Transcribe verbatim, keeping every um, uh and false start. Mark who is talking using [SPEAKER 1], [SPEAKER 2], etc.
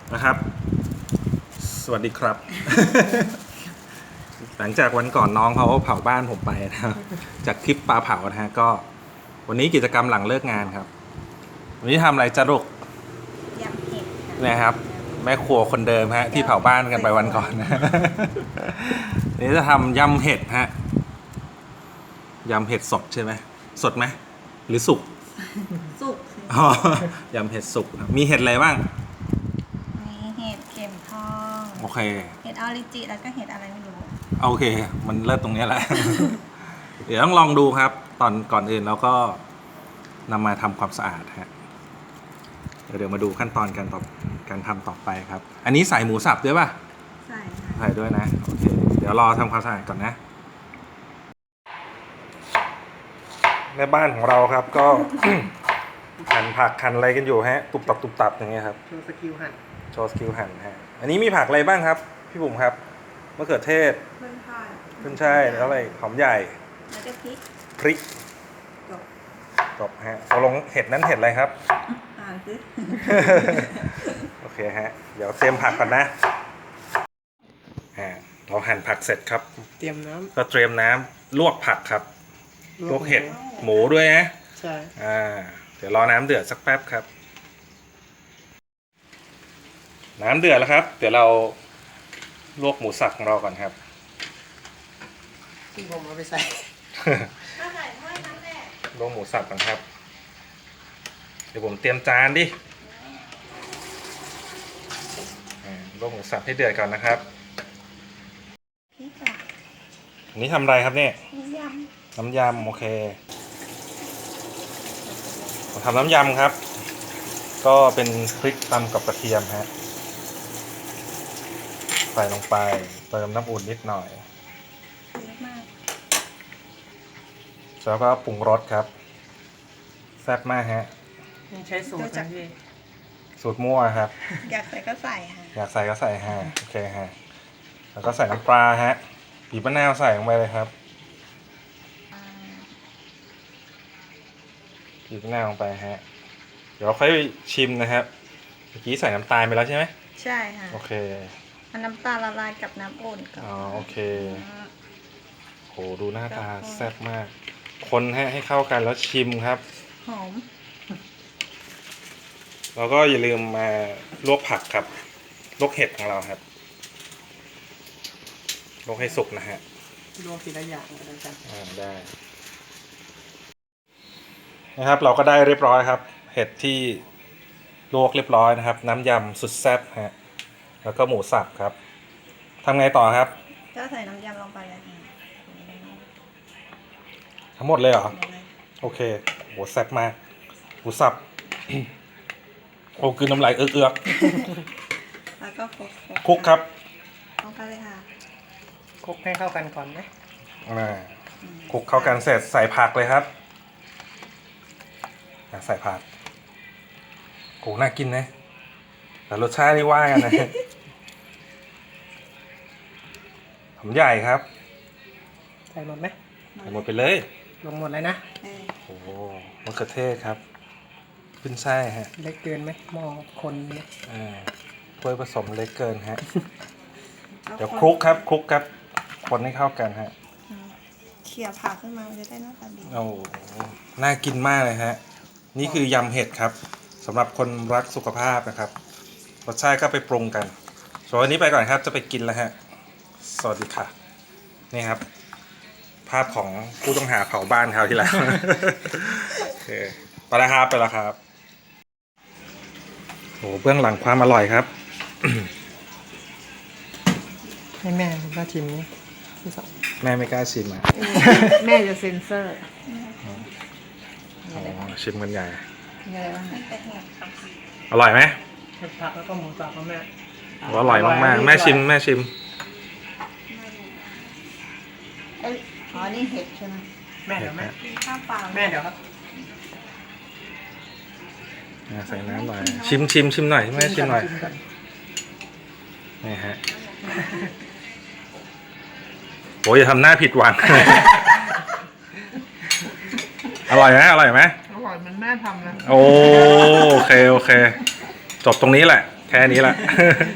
[SPEAKER 1] นะครับสวัสดีครับ หลังจากวันก่อนน้องเขาเผาบ้านผมไปนะครับจากคลิปปลาเผานะฮะก็วันนี้กิจกรรมหลังเลิกงานครับวันนี้ทำอะไรจ้าลูก
[SPEAKER 2] ยำเห็ดค่ะ
[SPEAKER 1] นะครับแม่ครัวคนเดิมฮะที่เผาบ้านกันไปวันก่อนนะ วันนี้จะทำยำเห็ดฮะยำเห็ดสดใช่ไหมสดไหมหรือสุก
[SPEAKER 2] สุก
[SPEAKER 1] อ๋อยำเห็ดสุกนะมีเห็ดอะไรบ้าง
[SPEAKER 2] มีเห็ดเข็มทอง
[SPEAKER 1] โอเค
[SPEAKER 2] เห็ดออริจิแล้วก็เห็ดอะไรไม่รู้
[SPEAKER 1] โอเค มันเลิศตรงนี้แหละ เดี๋ยวต้องลองดูครับ ตอนก่อนอื่นเราก็นำมาทำความสะอาดฮะเดี๋ยวมาดูขั้นตอนการต่อการทำต่อไปครับ อันนี้ใส่หมูสับด้วยป่ะ
[SPEAKER 2] ใส่ค่ะ
[SPEAKER 1] ใส่ด้วยนะโอเคเดี๋ยวรอทำความสะอาดก่อนนะแม่บ้านของเราครับก็ หั่นผักหั่นอะไรกันอยู่ฮะตุบตับตุบตับอย่างเงี้ยครับ
[SPEAKER 3] โชว์สกิลหั่น
[SPEAKER 1] โชว์สกิลหั่นฮะอันนี้มีผักอะไรบ้างครับพี่บุ๋มครับมะเขือเทศ
[SPEAKER 2] เพิ่มทอด
[SPEAKER 1] ขึ้นช่ายแล้วอะไรหอมใหญ่
[SPEAKER 2] แล้วก็พริก
[SPEAKER 1] พริก
[SPEAKER 2] จบ
[SPEAKER 1] จบฮะตกลงเห็ดนั้นเห็ดอะไรครับ
[SPEAKER 2] อ่านสิ
[SPEAKER 1] โอเคฮะเดี๋ยวเตรียมผักก่อนนะอ่าเราหั่นผักเสร็จครับ
[SPEAKER 3] เตรียมน้
[SPEAKER 1] ก็เตรียมน้ำลวกผักครับ
[SPEAKER 3] ำ
[SPEAKER 1] ลวกเห็ดหมูด้วยนะ
[SPEAKER 3] ใช่
[SPEAKER 1] อ่าเดี๋ยวรอน้ำเดือดสักแป๊บครับ น้ำเดือดแล้วครับ เดี๋ยวเราลวกหมูสับของเราก่อนครับ
[SPEAKER 3] ที่ผมเอาไปใส่
[SPEAKER 2] ถ้าใส่ถ้วยน้ำแดง
[SPEAKER 1] ลวกหมูสับก่อนครับ เดี๋ยวผมเตรียมจานดิอ่าลวกหมูสับให้เดือดก่อนนะครับ
[SPEAKER 2] พริกอ่ะ
[SPEAKER 1] อันนี้ทำอะไรครับเนี่ย
[SPEAKER 2] มีย
[SPEAKER 1] น้ำยำโอเคผมทำน้ำยำครับ ก็เป็นพริกตำกับกระเทียมฮะใส่ลงไปเติมน้ำอุ่นนิดหน่อย
[SPEAKER 2] ำเยอะมาก
[SPEAKER 1] แล้วก็ปรุงรสครับแซ่บมากฮะ
[SPEAKER 3] นี่ใช้สูตรนะพี่
[SPEAKER 1] สูตรมั่วครับ
[SPEAKER 2] อยากใส่ก็ใส่ค่ะ
[SPEAKER 1] อยากใส่ก็ใส่ฮะโอเคฮะแล้วก็ใส่น้ำปลาฮะบีบมะนาวใส่ลงไปเลยครับ
[SPEAKER 2] อ่า
[SPEAKER 1] บีบมะนาวลงไปฮะเดี๋ยวค่อยชิมนะครับเมื่อกี้ใส่น้ำตาลไปแล้วใช่ไหม
[SPEAKER 2] ใช่ค่ะ
[SPEAKER 1] โอเค
[SPEAKER 2] เอาน้ำตาลละลายกับน้ำอุ่นก่อน
[SPEAKER 1] อ๋อโอเค
[SPEAKER 2] อ่า
[SPEAKER 1] โหดูหน้าตาแซ่บมาก คนให้ให้เข้ากันแล้วชิมครับ
[SPEAKER 2] หอม
[SPEAKER 1] แล้วก็อย่าลืมมาลวกผักครับลวกเห็ดของเราครับลวกให้สุกนะฮะ
[SPEAKER 3] ลวกทีละอย่างก็ได้กัน
[SPEAKER 1] อ่าได้นะครับเราก็ได้เรียบร้อยครับ เห็ดที่ลวกเรียบร้อยนะครับ น้ำยำสุดแซ่บฮะแล้วก็หมูสับครับทำไงต่อครับ
[SPEAKER 2] ก็ใส่น้ำยำลงไปเลยค่ะ
[SPEAKER 1] ทั้งหมดเลยเหรอ
[SPEAKER 2] เดี๋ยวเลย
[SPEAKER 1] โอเคโหแซ่บมากหมูสับ โอ้คือน้ำลายเอื้อก
[SPEAKER 2] แล้วก็คลุก
[SPEAKER 1] ๆคลุกครับ
[SPEAKER 2] ลงไปเลยค่ะ
[SPEAKER 3] คลุกให้เข้ากันก่อนไหม
[SPEAKER 1] อ่าคลุกเข้ากันเสร็จใส่ผักเลยครับอ่ะใส่ผักโหน่ากินนะแต่รสชาตินี่ว่ากันนะ หอมใหญ่ครับ
[SPEAKER 3] ใส่หมดไหม
[SPEAKER 1] ใส่หมดไปเลย
[SPEAKER 3] ลงหมดเลยนะ
[SPEAKER 2] เออ
[SPEAKER 1] โอ้โหมะเขือเทศครับขึ้นไส้ฮะ
[SPEAKER 3] เล็กเกินไหมหม้อคนเนี่ย
[SPEAKER 1] อ่าถ้วยผสมเล็กเกินฮะ
[SPEAKER 2] อา
[SPEAKER 1] เดี๋ยว
[SPEAKER 2] น
[SPEAKER 1] คลุกครับคลุกครับคนให้เข้ากันฮะ
[SPEAKER 2] อืมเขี่ยผักขึ้นมามันจะได้หน้าตาดี
[SPEAKER 1] โอ้โหน่ากินมากเลยฮะนี่คือยำเห็ดครับสำหรับคนรักสุขภาพนะครับรสชาติก็ไปปรุงกันส่วนวันนี้ไปก่อนครับจะไปกินแล้วฮะสวัสดีค่ะนี่ครับ ภาพของผู้ต้องหาเผาบ้านเขาวที่แล้ว โอเคไปแล้วครับไปแล้วครับโอ้เบื้องหลังความอร่อยครับ
[SPEAKER 3] ให้แม่คุณป้าชิมนี่ที่สอง
[SPEAKER 1] แม่ไม่กล้าชิมอ่ะ
[SPEAKER 4] แม่จะเซ็นเซอร์
[SPEAKER 1] อ๋อชิมกันใหญ่
[SPEAKER 4] มีอะไรบ้าง
[SPEAKER 2] มันเป็นเห็ดครับ
[SPEAKER 1] อร่อยไหม
[SPEAKER 3] เห็ดผักแล้วก็หมูสับของแม่
[SPEAKER 1] อร่อยมากๆแม่ชิมแม่ชิม
[SPEAKER 4] เอ้ยอ๋อ นี่เห็ดใช่ไหม
[SPEAKER 3] แม่เดี๋ยวแม่
[SPEAKER 2] กินข้าวเปล่า
[SPEAKER 3] แม่เดี๋ยวครับ
[SPEAKER 1] อ่ะใส่น้ำหน่อยชิมชิมชิมหน่อยแม่ชิมหน่อย
[SPEAKER 3] ก่
[SPEAKER 1] นี่ฮะโอ้ยอย่าทำหน้าผิดหวัง อร่อยไหมอร่อยไหม
[SPEAKER 4] อร่อยเหมันแม่ทำนะ
[SPEAKER 1] โอโอเคโอเค จบตรงนี้แหละแค่นี้แหละ